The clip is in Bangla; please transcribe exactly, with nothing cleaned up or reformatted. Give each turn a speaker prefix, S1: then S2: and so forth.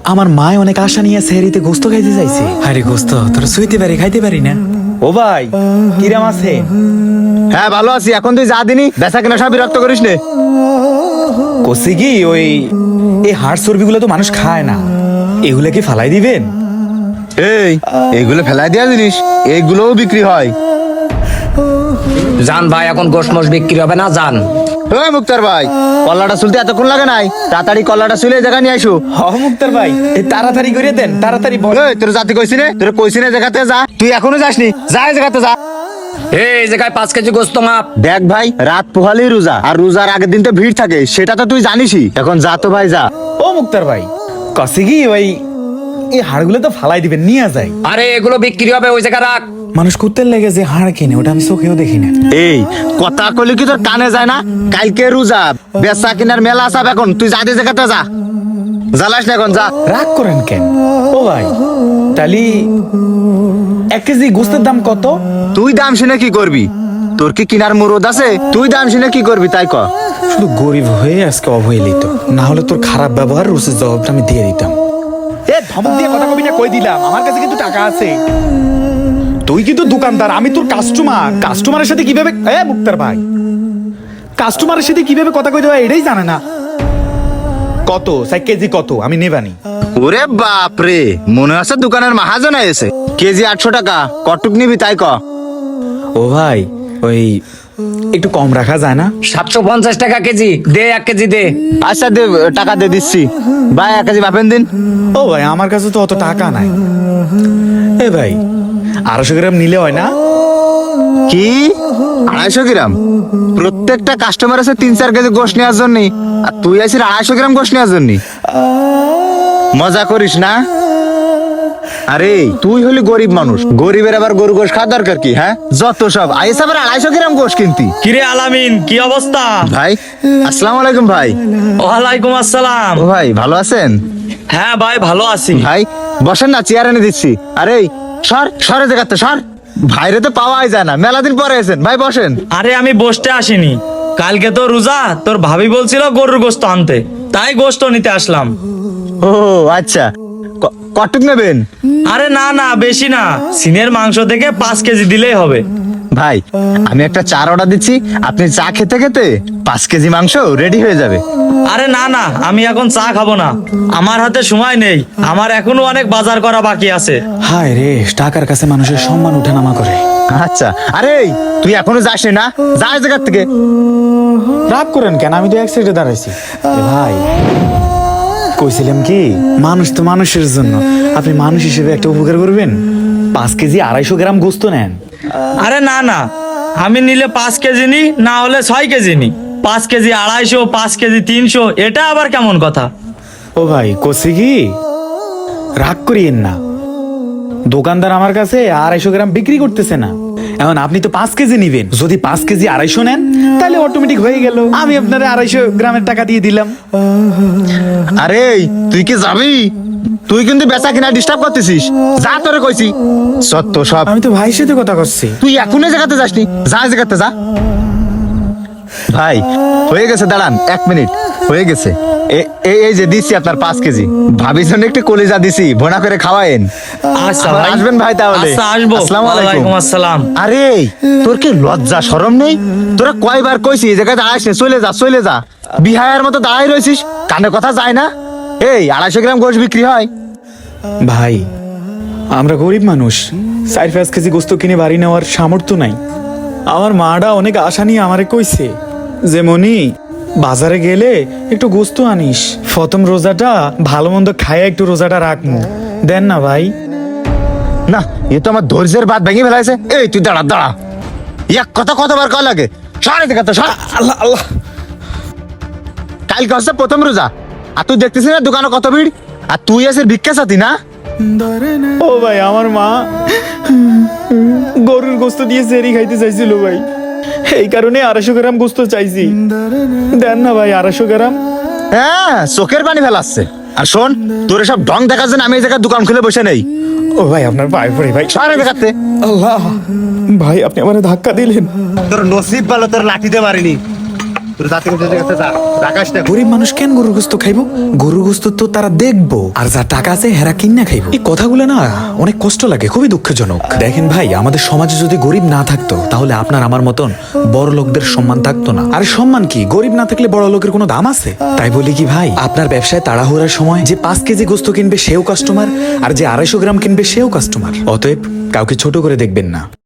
S1: আমার মায় অনেক আশা নিয়ে সেহরিতে গোস্ত খাইতে চাইছে। আরে গোস্ত তোরা শুইতে পারি খাইতে পারি না। ও ভাই কিরাম আছে?
S2: হ্যাঁ ভালো আছি। এখন তুই যা দিনি বেচা কেনা সব বিরক্ত করিস নে।
S1: কষি কি ওই এই হাড় চর্বিগুলো তো মানুষ খায় না, এগুলা কি ফালাই দিবেন?
S2: এই এইগুলো ফেলাই দেওয়া জিনিস, এইগুলোও বিক্রি হয়।
S3: জান ভাই এখন গোশ মোশ বিক্রি হবে না, জান।
S2: ওই মুক্তার ভাই, কল্লাটা চুলতে এতক্ষণ লাগে নাই? তাড়াতাড়ি কল্লাটা চুলে জায়গা নিয়ে আইসো।
S1: হ মুক্তার ভাই, এই তাড়াতাড়ি করে দেন, তাড়াতাড়ি বল।
S2: এই তোর জাতি কইছি নে, তোর কইছি না জায়গাতে যা, তুই এখনো যাসনি, যা এই জায়গাতে যা।
S3: এই জায়গায় পাঁচ কেজি গোস্ত মাপ।
S2: দেখ ভাই, রাত পোহালেই রোজা, আর রোজার আগের দিন তো ভিড় থাকে, সেটা তো তুই জানিসই। এখন যা তো ভাই যা।
S1: ও মুক্তার ভাই কষি কি ওই এই হাড়গুলো তো ফালাই দিবেন, নিয়ে যায়।
S3: আরে এগুলো বিক্রি হবে, ওই জায়গায় রাখ।
S1: মানুষ কুত্তের লেগে যে হাড় কিনে ওটা আমি চোখেও দেখি না।
S2: এই কথা কইলে কি তোর কানে যায় না? কালকে রোজা, বেচা কিনার মেলা আসাব, এখন তুই যা এই জায়গাতে যা। জ্বালাস না এখন যা।
S1: রাগ করেন কেন? ও ভাই তালি এক কেজি গোস্তের দাম কত?
S2: তুই দাম শুনে কি করবি? তোর কি কিনার মুরদ আছে? তুই দাম শুনে কি করবি তাই ক।
S1: শুধু গরিব হয়ে আজকে অবহেলিত, না হলে তোর খারাপ ব্যবহার রুচির জবাবটা আমি দিয়ে দিতাম। এ ধমক দিয়ে কথা কবি না, কই দিলাম আমার কাছে কিন্তু টাকা আছে। তুই কিন্তু দোকানদার, আমি তোর কাস্টমার। কাস্টমারের সাথে কিভাবে এ মুক্তার ভাই কাস্টমারের সাথে কিভাবে কথা কইতে হয় এটাই জানে না। কত সাই কেজি কত আমি নেবানি?
S2: ওরে বাপ রে, মনে আছে দোকানের মাহাজন এসে। কেজি আটশো টাকা, কটুক নিবি তাই ক।
S1: ও ভাই ওই একটু কম রাখা যায় না?
S3: সাতশো পঞ্চাশ টাকা কেজি দে, এক কেজি দে।
S2: আচ্ছা দে, টাকা দিয়ে দিচ্ছি ভাই, এক কেজি মাপেন দিন।
S1: ও ভাই আমার কাছে তো অত টাকা নাই। এ ভাই আড়াইশো গ্রাম নিলে হয় না?
S2: কি আড়াইশো গ্রাম? প্রত্যেকটা কাস্টমার আছে তিন চার কেজি গোশ নেওয়ার জন্য, আর তুই আছিস আড়াইশো গ্রাম গোশ নেওয়ার জন্য? মজা করিস না? আরে তুই হলি গরিব মানুষ, গরিবের আবার গরু গোশ খাওয়ার দরকার কি? হ্যাঁ যত সব আইস আবার আড়াইশো গ্রাম গোশ কিনতি।
S3: কিরে আলামিন, কি অবস্থা?
S2: ভাই আসসালামু আলাইকুম। ভাই
S3: ওয়ালাইকুম আসসালাম।
S2: ও ভাই ভালো আছেন?
S3: হ্যাঁ ভাই ভালো আছি।
S2: ভাই বসেন না, চেয়ার এনে দিচ্ছি। আরে সর সরে জায়গাতে সর, ভাইরে তো পাওয়াই যায় না, মেলা দিন পরে এসেন। ভাই বসেন।
S4: আরে আমি বসতে আসিনি, কালকে তো রোজা, তোর ভাবি বলছিল গরুর গোস্ত আনতে, তাই গোস্ত নিতে আসলাম।
S2: ও আচ্ছা, ক- কটুক নেবেন?
S4: আরে না না বেশি না, সিনের মাংস থেকে পাঁচ কেজি দিলেই হবে।
S2: ভাই আমি একটা চার অর্ডার দিচ্ছি, আপনি চা খেতে খেতে পাঁচ কেজি মাংস রেডি হয়ে যাবে।
S4: আরে না না, আমি এখন চা খাবো না, আমার হাতে সময় নেই, আমার এখনো অনেক বাজার করা বাকি আছে।
S1: হায় রে, টাকার কাছে মানুষের সম্মান উঠানামা করে।
S2: আচ্ছা আরে তুই এখনো যাসনি না? যা এই জায়গার থেকে।
S1: রাগ করেন কেন? আমি তো এক সাইডে দাঁড়াইছি। এ ভাই কইছিলাম কি, মানুষ তো মানুষের জন্য, আপনি মানুষ হিসেবে একটা উপকার করবেন, পাঁচ কেজি আড়াইশো গ্রাম গোস্ত নেন।
S4: আরে না না, আমি নিলে পাঁচ কেজি নি, না হলে ছয় কেজি নি। পাঁচ কেজি আড়াইশো, পাঁচ কেজি তিনশো, এটা আবার কেমন কথা?
S1: ও ভাই কষি কি, রাগ করিয়েন না। দোকানদার আমার কাছে আড়াইশো গ্রাম বিক্রি করতেছে না, এখন আপনি তো পাঁচ কেজি নিবেন। যদি পাঁচ কেজি আড়াইশো নেন তাহলে অটোমেটিক হয়ে গেল, আমি আপনার আড়াইশো গ্রামের টাকা দিয়ে দিলাম।
S2: আরে তুই কি যাবি? তুই কিন্তু বেচা কিনা ডিস্টার্ব করতেছিস, যা তোরে কইছি। সত্য সব।
S1: আমি তো ভাইয়ের সাথে কথা করছি।
S2: তুই এখনই জায়গাতে যাসনি, যা এই জায়গাতে যা। ভাই হয়ে গেছে, দাঁড়ান এক মিনিট, হয়ে গেছে। এ- এই এই যে দিচ্ছি আপনার পাঁচ কেজি, ভাবির জন্য একটু কলিজা দিছি, ভোনা করে খাওয়ায়েন।
S4: আচ্ছা
S2: আবার
S4: ভাই।
S2: আসবেন ভাই তাহলে।
S4: আচ্ছা আসবো।
S2: আসসালামু আলাইকুম।
S4: ওয়ালাইকুম আসসালাম।
S2: আরে তোর কি লজ্জা শরম নেই? তোরা কয়বার কইছি এই জায়গায় দাঁড়াইস না, চলে যা চলে যা। বিহায়ের মতো দাঁড়াই রয়েছিস, কানে কথা যায় না? এই আড়াইশো গ্রাম গোশ বিক্রি হয়।
S1: ভাই আমরা গরিব মানুষ, চার পাঁচ কেজি গোস্ত কিনে বাড়ি নেওয়ার সামর্থ্য নাই। আমার মাটা অনেক আশা নিয়ে আমারে কইছে যে মনি বাজারে গেলে একটু গোস্ত আনিস, প্রথম রোজাটা ভালো মন্দ খায় একটু রোজাটা রাখমু, দেন না ভাই।
S2: না এ তো আমার ধৈর্যের বাদ ভেঙে ফেলাইছে। এই তুই দাঁড়া দাঁড়া, এক কথা কতবার কয় লাগে? সারে দেখা তো সর।
S1: আল্লাহ আল্লাহ,
S2: কালকে হচ্ছে প্রথম রোজা, আর তুই দেখতেছিস না দোকানে কত ভিড়, আর তুই আছিস ভিক্ষা সাথী না?
S1: ও ভাই আমার মা গরুর গোস্ত দিয়ে সেরি খাইতে চাইছিল ভাই, এই কারণে আড়াইশো গ্রাম গোস্ত চাইছি, দেন না ভাই আড়াইশো গ্রাম।
S2: হ্যাঁ চোখের পানি ফেলাচ্ছে। আর শোন, তোর সব ঢং দেখার জন্য আমি এই জায়গায় দোকান খুলে বসে নেই।
S1: ও ভাই আপনার পায়ে পড়ে ভাই।
S2: সারে দেখাতে।
S1: আল্লাহ ভাই আপনি আমার ধাক্কা দিলেন।
S2: তোর নসিব ভালো, তোর লাঠিতে মারিনি। তোর জাতি করতে গেছে যা রাখাস না
S1: গরিব মানুষ কেন গরুর গোস্ত খাইবো? গরুর গোস্ত তো তারা দেখবো, আর যা টাকা আছে হেরা কিনা খাইবো। এই কথাগুলো না অনেক কষ্ট লাগে, খুবই দুঃখজনক। দেখেন ভাই, আমাদের সমাজে যদি গরিব না থাকতো তাহলে আপনার আমার মতন বড় লোকদের সম্মান থাকতো না। আরে সম্মান কি, গরিব না থাকলে বড় লোকের কোনো দাম আছে? তাই বলি কি ভাই, আপনার ব্যবসায় তাড়াহুড়ার সময় যে পাঁচ কেজি গোস্ত কিনবে সেও কাস্টমার, আর যে আড়াইশো গ্রাম কিনবে সেও কাস্টমার। অতএব কাউকে ছোট করে দেখবেন না।